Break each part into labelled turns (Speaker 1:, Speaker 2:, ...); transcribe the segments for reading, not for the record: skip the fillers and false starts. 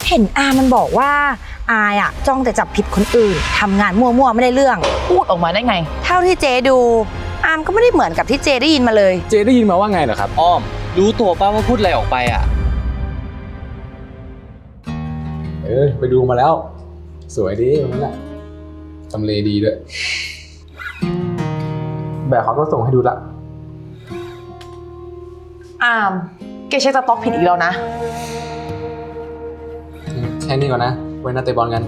Speaker 1: เห็นอามันบอกว่าอายอะจ้องแต่จับผิดคนอื่นทำงานมั่วๆไม่ได้เรื่อง
Speaker 2: พูดออกมาได้ไง
Speaker 1: เท่าที่เจดูอามก็ไม่ได้เหมือนกับที่เจได้ยินมาเลย
Speaker 3: เจได้ยินมาว่าไงเหรอครับ
Speaker 4: อ้อมรู้ตัวป้าว่าพูดอะไรออกไปอ่ะ
Speaker 3: ไปดูมาแล้ว สวยดีตรงนั้นแหละทำเลดีด้วยแบบเขาก็ส่งให้ดูละ
Speaker 2: อามแกเช็คสต็อกผิดอีกแล้วนะ
Speaker 3: แค่นี้ก่อนนะไว้นัดเตะบอลกัน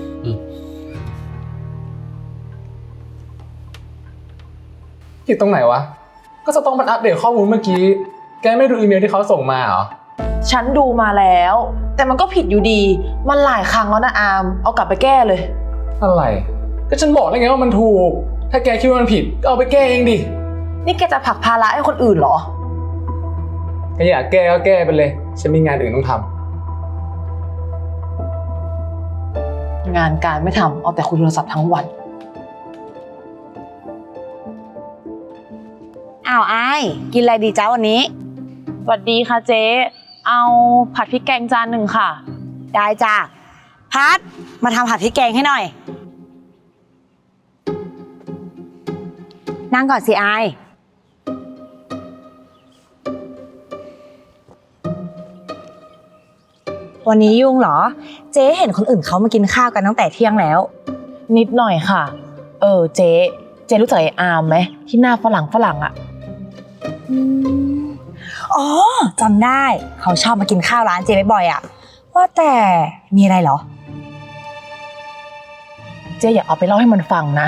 Speaker 3: ผิดตรงไหนวะก็จะต้องมันอัปเดตข้อมูลเมื่อกี้แกไม่ดูอีเมลที่เขาส่งมาเหรอ
Speaker 2: ฉันดูมาแล้วแต่มันก็ผิดอยู่ดีมันหลายครั้งแล้วนะอามเอากลับไปแก้เลย
Speaker 3: อะไรก็ฉันบอกแล้วไงว่ามันถูกถ้าแกคิดว่ามันผิดก็เอาไปแก้เองดิ
Speaker 2: นี่แกจะผลักภาระให้คนอื่นเหรอ
Speaker 3: ถ้าอยากแก้ก็แก้ไปเลยฉันมีงานอื่นต้องท
Speaker 2: ำงานการไม่ทำเอาแต่คุยโทรศัพท์ทั้งวัน
Speaker 1: อ้าวอายกินอะไรดีจ้าวันนี้
Speaker 2: สวัสดีค่ะเจ๊เอาผัดพริกแกงจานหนึ่งค่ะ
Speaker 1: ได้จ้าพัดมาทำผัดพริกแกงให้หน่อยนั่งก่อนสิอายวันนี้ยุ่งเหรอเจ๊เห็นคนอื่นเขามากินข้าวกันตั้งแต่เที่ยงแล้ว
Speaker 2: นิดหน่อยค่ะเจ๊รู้จักไอ้อามไหมที่หน้าฝรั่งอ่ะ
Speaker 1: อ๋อจำได้เขาชอบมากินข้าวร้านเจ๊บ่อยๆอ่ะว่าแต่มีอะไรเหรอ
Speaker 2: เจ๊อย่าเอาไปเล่าให้มันฟังนะ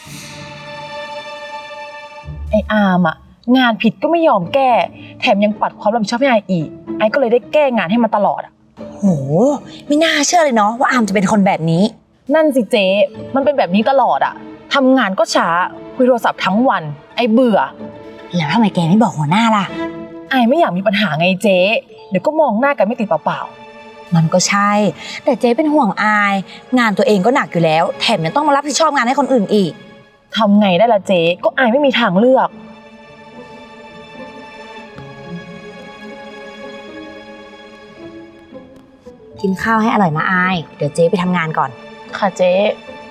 Speaker 2: ไอ้อามอ่ะงานผิดก็ไม่ยอมแก้แถมยังปัดความรับผิดชอบให้ไออีกไอก็เลยได้แก้งานให้มันตลอดอ่ะ
Speaker 1: โหไม่น่าเชื่อเลยเนาะว่าอามจะเป็นคนแบบนี้
Speaker 2: นั่นสิเจ๊มันเป็นแบบนี้ตลอดอ่ะทำงานก็ช้าคุยโทรศัพท์ทั้งวันไอเบื่อ
Speaker 1: แล้วทำไมแกไม่บอกหัวหน้าล่ะ
Speaker 2: ไอไม่อยากมีปัญหาไงเจ๊เดี๋ยวก็มองหน้ากันไม่ติดเปล่า
Speaker 1: ๆมันก็ใช่แต่เจ๊เป็นห่วงอายงานตัวเองก็หนักอยู่แล้วแถมยังต้องมารับผิดชอบงานให้คนอื่นอีก
Speaker 2: ทำไงได้ล่ะเจ๊ก็ไอไม่มีทางเลือก
Speaker 1: กินข้าวให้อร่อยนะอายเดี๋ยวเจ๊ไปทำงานก่อน
Speaker 2: ค่ะเจ๊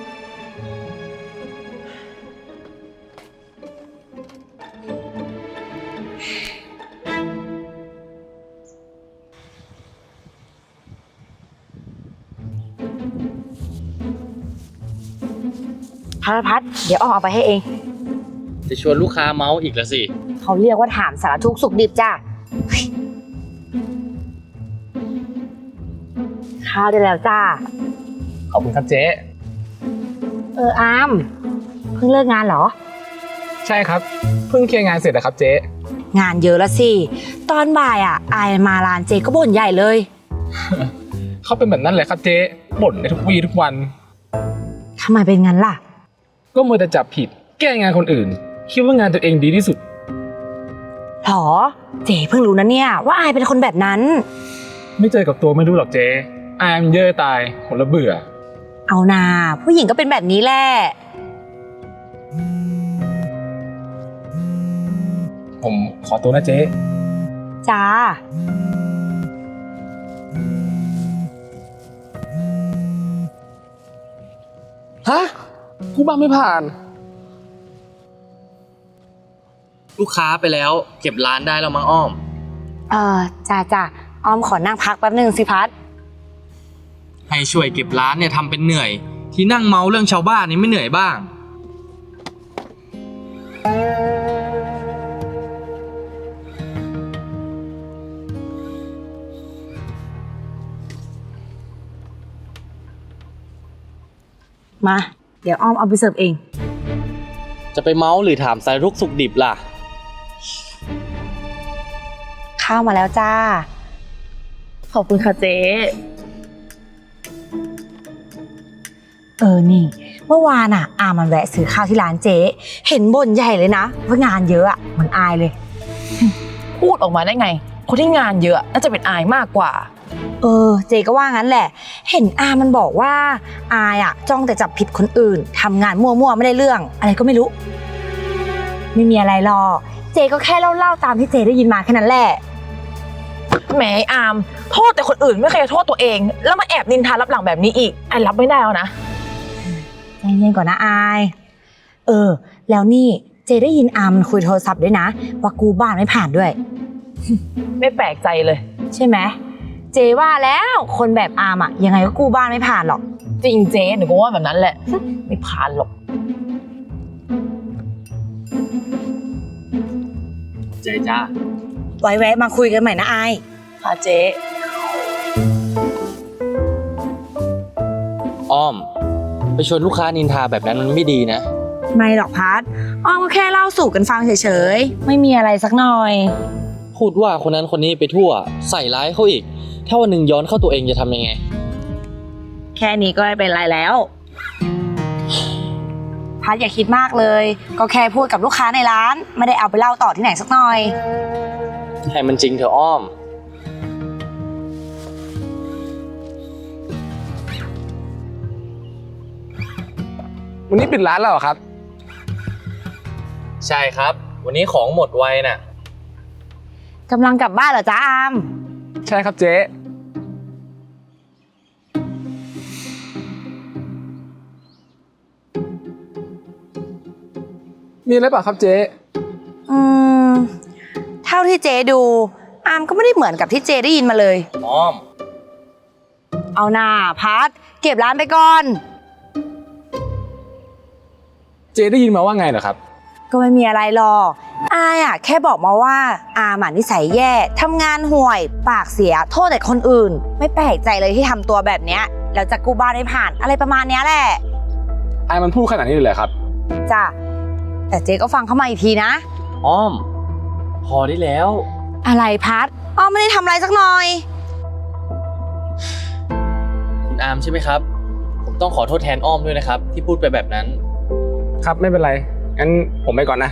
Speaker 1: พัดเดี๋ยวอ้อมเอาไปให้เอง
Speaker 4: จะชวนลูกค้าเมาส์อีกแล้วสิ
Speaker 1: เขาเรียกว่าถามสารทุกข์สุขดิบจ้ะข้าวได้แล้วจ้า
Speaker 3: ขอบคุณครับเจ๊
Speaker 1: อามเพิ่งเลิกงานเหรอ
Speaker 3: ใช่ครับเพิ่งเคลียร์งานเสร็จนะครับเจ๊
Speaker 1: งานเยอะแล้วสิตอนบ่ายอายมาร้านเจ๊ก็บ่นใหญ่เลย
Speaker 3: เขาเป็นแบบนั้นแหละครับเจ๊บ่นในทุกวี่ทุกวัน
Speaker 1: ทำไมเป็นงั้นล่ะ
Speaker 3: ก็มัวแต่จับผิดแก้งานคนอื่นคิดว่างานตัวเองดีที่สุด
Speaker 1: หรอเจ๊เพิ่งรู้นะเนี่ยว่าอายเป็นคนแบบนั้น
Speaker 3: ไม่เจอกับตัวไม่รู้หรอกเจ๊อายมันเย่อตายคนละเบื่อ
Speaker 1: เอานาผู้หญิงก็เป็นแบบนี้แหละ
Speaker 3: ผมขอตัวนะเจ๊
Speaker 1: จ้า
Speaker 3: ฮะกูบ้าไม่ผ่าน
Speaker 4: ลูกค้าไปแล้วเก็บร้านได้แล้วมั้งอ้อม
Speaker 1: จ้าอ้อมขอนั่งพักแป๊บนึงสิพัด
Speaker 4: ให้ช่วยเก็บร้านเนี่ยทำเป็นเหนื่อยที่นั่งเมาเรื่องชาวบ้านนี่ไม่เหนื่อยบ้าง
Speaker 1: มาเดี๋ยวอ้อมเอาไปเสิร์ฟเอง
Speaker 4: จะไปเมาหรือถามสารทุกข์สุขดิบล่ะ
Speaker 1: ข้าวมาแล้วจ้า
Speaker 2: ขอบคุณค่ะเจ๊
Speaker 1: นี่เมื่อวานอามันแวะซื้อข้าวที่ร้านเจ๊เห็นบ่นใหญ่เลยนะว่างานเยอะมันอายเลย
Speaker 2: พูดออกมาได้ไงคนที่งานเยอะน่าจะเป็นอายมากกว่า
Speaker 1: เจ๊ก็ว่างั้นแหละเห็นอามันบอกว่าอายจ้องแต่จับผิดคนอื่นทำงานมั่วๆไม่ได้เรื่องอะไรก็ไม่รู้ไม่มีอะไรหรอกเจ๊ก็แค่เล่าตามที่เจ๊ได้ยินมาแค่นั้นแหละ
Speaker 2: แหมไอ้อามโทษแต่คนอื่นไม่เคยโทษตัวเอง แล้วมาแอบนินทารับหลังแบบนี้อีกไอ้รับไม่ได้แล้วนะ
Speaker 1: ใจเย็นก่อนนะอายแล้วนี่เจได้ยินอามมันคุยโทรศัพท์ด้วยนะว่ากู้บ้านไม่ผ่านด้วย
Speaker 2: ไม่แปลกใจเลย
Speaker 1: ใช่ไหมเจว่าแล้วคนแบบอามอะยังไงก็กู้บ้านไม่ผ่านหรอก
Speaker 2: จริงเจ๊หนูก็ว่าแบบนั้นแหละ ไม่ผ่านหรอก
Speaker 4: เจ๊จ้า
Speaker 1: ไว้แวะมาคุยกันใหม่นะอาย
Speaker 2: ค่ะเจ๊
Speaker 4: อ้อม ไปชวนลูกค้านินทาแบบนั้นมันไม่ดีนะ
Speaker 1: ไม่หรอกพัดอ้อมก็แค่เล่าสู่กันฟังเฉยๆไม่มีอะไรสักหน่อย
Speaker 4: พูดว่าคนนั้นคนนี้ไปทั่ว ใส่ร้ายเขาอีก ถ้าวันหนึ่งย้อนเข้าตัวเองจะทำยังไง
Speaker 1: แค่นี้ก็ไม่เป็นไรแล้ว พัดอย่าคิดมากเลย ก็แค่พูดกับลูกค้าในร้าน ไม่ได้เอาไปเล่าต่อที่ไหนสักหน่อย
Speaker 4: ให้มันจริงเถอะอ้อม
Speaker 3: วันนี้ปิดร้านแล้วเหรอครับ
Speaker 4: ใช่ครับ วันนี้ของหมดไวน่ะ
Speaker 1: กำลังกลับบ้านเหรอจ๊ะอาม
Speaker 3: ใช่ครับเจ๊มีอะไรเปล่าครับเจ๊
Speaker 1: เท่าที่เจดูอามก็ไม่ได้เหมือนกับที่เจได้ยินมาเลย
Speaker 4: อ้อม
Speaker 1: เอาหน่าพัดเก็บร้านไปก่อน
Speaker 3: เจ๊ได้ยินมาว่าไงเหรอครับ
Speaker 1: ก็ไม่มีอะไรหรอกอายอะแค่บอกมาว่าอามอะนิสัยแย่ทำงานห่วยปากเสียโทษแต่คนอื่น ไม่แปลกใจเลยที่ทำตัวแบบเนี้ยแล้วจะกู้บ้านไม่ผ่านอะไรประมาณเนี้ยแหละ
Speaker 3: ไอ้มันพูดขนาดนี้เลยเหรอครับ
Speaker 1: จ้ะแต่เจ๊ก็ฟังเข้ามาอีกทีนะ
Speaker 4: อ้อม พอได้แล้ว
Speaker 1: อะไรพัดอ้อมไม่ได้ทำอะไรสักหน่อย
Speaker 4: คุณอามใช่ไหมครับ ผมต้องขอโทษแทนอ้อมด้วยนะครับ ที่พูดไปแบบนั้น
Speaker 3: ครับไม่เป็นไร งั้นผมไปก่อนนะ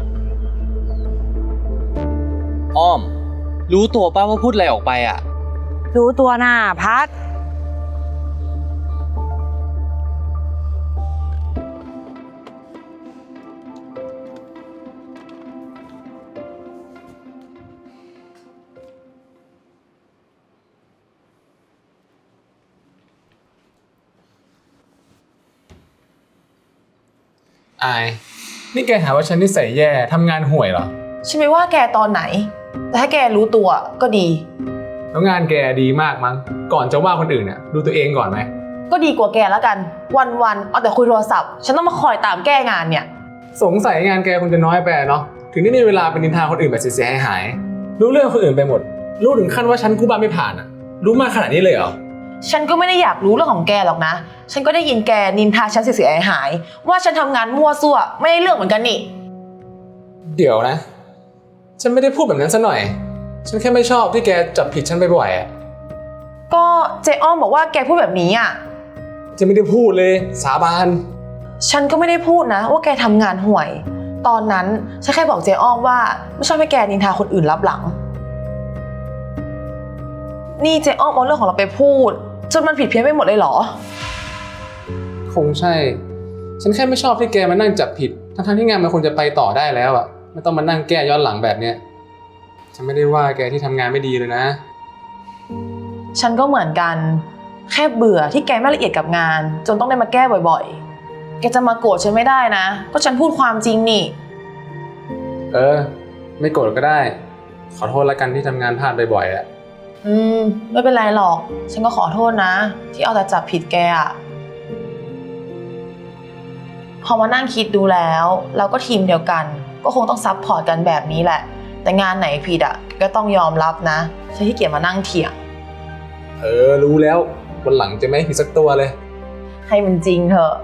Speaker 4: อ้อม รู้ตัวป้าว่าพูดอะไรออกไปอ่ะ
Speaker 1: รู้ตัวน่ะพัด
Speaker 3: อาย นี่แกหาว่าฉันนิสัยแย่ทำงานห่วยเหรอ
Speaker 2: ฉันไม่ว่าแกตอนไหน แต่ถ้าแกรู้ตัวก็ดี
Speaker 3: แล้วงานแกดีมากมั้ง ก่อนจะว่าคนอื่นเนี่ยดูตัวเองก่อนไหม
Speaker 2: ก็ดีกว่าแกแล้วกัน วันๆเอาแต่คุยโทรศัพท์ ฉันต้องมาคอยตามแก้งานเนี่ย
Speaker 3: สงสัยงานแกคงจะน้อยไปเนาะ ถึงได้มีเวลาเป็นนินทาคนอื่นแบบเสียหายๆรู้เรื่องคนอื่นไปหมด รู้ถึงขั้นว่าฉันกู้บ้านไม่ผ่านอะรู้มากขนาดนี้เลยเหรอ
Speaker 2: ฉันก็ไม่ได้อยากรู้เรื่องของแกหรอกนะ ฉันก็ได้ยินแกนินทาฉันเสียหายๆว่าฉันทำงานมั่วซั่วไม่ได้เรื่องเหมือนกันนี่
Speaker 3: เดี๋ยวนะ ฉันไม่ได้พูดแบบนั้นซะหน่อย ฉันแค่ไม่ชอบที่แกจับผิดฉันบ่อยๆอะ
Speaker 2: ก็เจอ้อมบอกว่าแกพูดแบบนี้อ่ะ
Speaker 3: จะไม่ได้พูดเลยสาบาน
Speaker 2: ฉันก็ไม่ได้พูดนะว่าแกทำงานห่วย ตอนนั้นฉันแค่บอกเจอ้อมว่าไม่ชอบให้แกนินทาคนอื่นลับหลัง นี่เจอ้อมเอาเรื่องของเราไปพูดจนมันผิดเพี้ยนไปหมดเลยเหรอ
Speaker 3: คงใช่ ฉันแค่ไม่ชอบที่แกมานั่งจับผิด ทั้งๆที่งานมันควรจะไปต่อได้แล้วอะไม่ต้องมานั่งแก้ย้อนหลังแบบเนี้ย ฉันไม่ได้ว่าแกที่ทำงานไม่ดีเลยนะ
Speaker 2: ฉันก็เหมือนกัน แค่เบื่อที่แกไม่ละเอียดกับงาน จนต้องได้มาแก้บ่อยๆ แกจะมาโกรธฉันไม่ได้นะ ก็ฉันพูดความจริงนี่
Speaker 3: ไม่โกรธก็ได้ ขอโทษละกันที่ทำงานพลาดบ่อยๆอะ
Speaker 2: ไม่เป็นไรหรอก ฉันก็ขอโทษนะ ที่เอาแต่จับผิดแกอะพอมานั่งคิดดูแล้วเราก็ทีมเดียวกัน ก็คงต้องซัพพอร์ตกันแบบนี้แหละ แต่งานไหนผิดอ่ะก็ต้องยอมรับนะฉันขี้เกียจมานั่งเถียง
Speaker 3: รู้แล้ววันหลังจะไม่ผิดสักตัวเลย
Speaker 2: ให้มันจริงเถอะ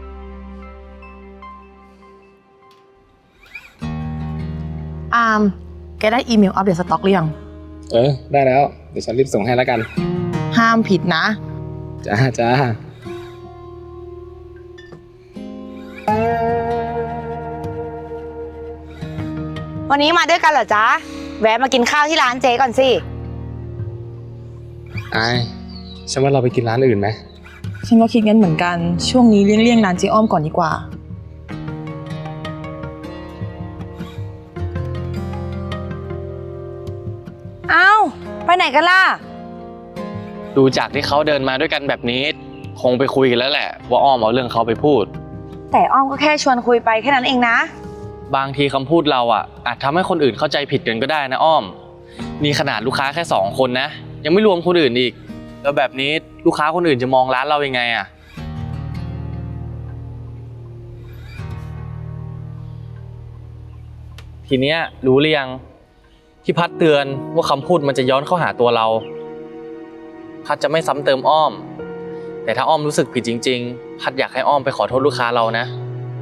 Speaker 2: อามแกได้อีเมลอัปเดตสต็อกหรือยัง
Speaker 3: ได้แล้ว เดี๋ยวฉันรีบส่งให้แล้วกัน
Speaker 2: ห้ามผิดนะ
Speaker 3: จ้า
Speaker 1: วันนี้มาด้วยกันเหรอจ๊ะแวะมากินข้าวที่ร้านเจก่อนสิ
Speaker 3: ไอ้ฉันว่าเราไปกินร้านอื่นไหม
Speaker 2: ฉันก็คิดงั้นเหมือนกัน ช่วงนี้เลี่ยงร้านเจ๊อ้อมก่อนดีกว่า
Speaker 1: เอ้าไปไหนกันล่ะ
Speaker 4: ดูจากที่เขาเดินมาด้วยกันแบบนี้ คงไปคุยกันแล้วแหละว่าอ้อมเอาเรื่องเขาไปพูด
Speaker 1: แต่อ้อมก็แค่ชวนคุยไปแค่นั้นเองนะ
Speaker 4: บางทีคำพูดเราอาจทำให้คนอื่นเข้าใจผิดกันก็ได้นะอ้อมนี่ขนาดลูกค้าแค่2 คนนะยังไม่รวมคนอื่นอีกแล้วแบบนี้ลูกค้าคนอื่นจะมองร้านเรายังไงทีเนี้ยรู้หรือยังที่พัดเตือนว่าคำพูดมันจะย้อนเข้าหาตัวเราพัดจะไม่ซ้ำเติมอ้อมแต่ถ้าอ้อมรู้สึกผิดจริงๆพัดอยากให้อ้อมไปขอโทษลูกค้าเรานะ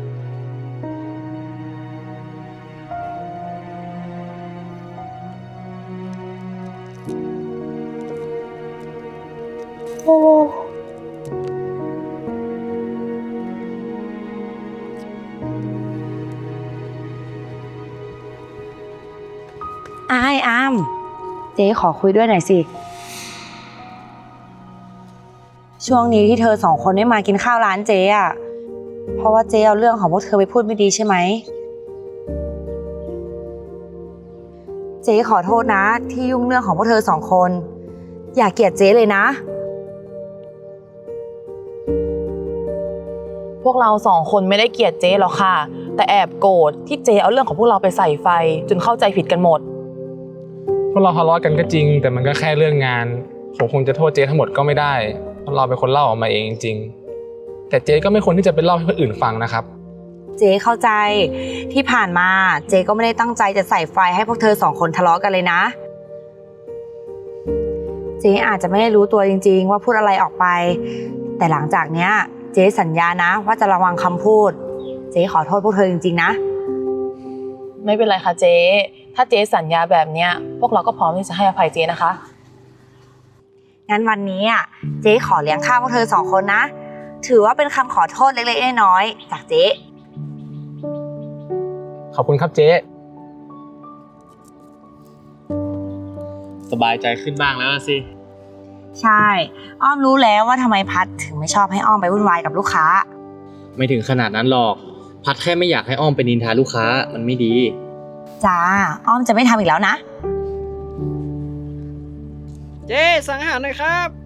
Speaker 1: โอ้อามเจ๊ขอคุยด้วยหน่อยสิ ช่วงนี้ที่เธอ2 คนไม่มากินข้าวร้านเจ๊อะเพราะว่าเจ๊เอาเรื่องของพวกเธอไปพูดไม่ดีใช่ไหม เจ๊ขอโทษนะที่ยุ่งเรื่องของพวกเธอ2 คน อย่าเกลียดเจ๊เลยนะ
Speaker 2: พวกเรา2 คนไม่ได้เกลียดเจ๊หรอกค่ะ แต่แอบโกรธที่เจ๊เอาเรื่องของพวกเราไปใส่ไฟจนเข้าใจผิดกันหมด
Speaker 3: พวกเราทะเลาะกันก็จริงแต่มันก็แค่เรื่องงานผมคงจะโทษเจ๊ทั้งหมดก็ไม่ได้เพราะเราเป็นคนเล่าออกมาเองจริงๆแต่เจ๊ก็ไม่ควรที่จะไปเล่าให้คนอื่นฟังนะครับ
Speaker 1: เจ๊เข้าใจที่ผ่านมาเจ๊ก็ไม่ได้ตั้งใจจะใส่ไฟให้พวกเธอ2 คนทะเลาะกันเลยนะ เจ๊อาจจะไม่ได้รู้ตัวจริงๆว่าพูดอะไรออกไป แต่หลังจากเนี้ยเจ๊สัญญานะว่าจะระวังคำพูด เจ๊ขอโทษพวกเธอจริงๆนะ
Speaker 2: ไม่เป็นไรค่ะเจ๊ถ้าเจ๊สัญญาแบบเนี้ยพวกเราก็พร้อมที่จะให้อภัยเจ๊นะคะ
Speaker 1: งั้นวันนี้เจ๊ขอเลี้ยงข้าวพวกเธอ2 คนนะ ถือว่าเป็นคำขอโทษเล็กๆน้อยๆจากเจ๊
Speaker 3: ขอบคุณครับเจ๊
Speaker 4: สบายใจขึ้นบ้างแล้วสิ
Speaker 1: ใช่ อ้อมรู้แล้วว่าทำไมพัดถึงไม่ชอบให้อ้อมไปวุ่นวายกับลูกค้า
Speaker 4: ไม่ถึงขนาดนั้นหรอกพัดแค่ไม่อยากให้อ้อมไปนินทาลูกค้ามันไม่ดี
Speaker 1: จ้า อ้อมจะไม่ทำอีกแล้วนะ
Speaker 5: เจ๊สั่งอาหารหน่อยครับ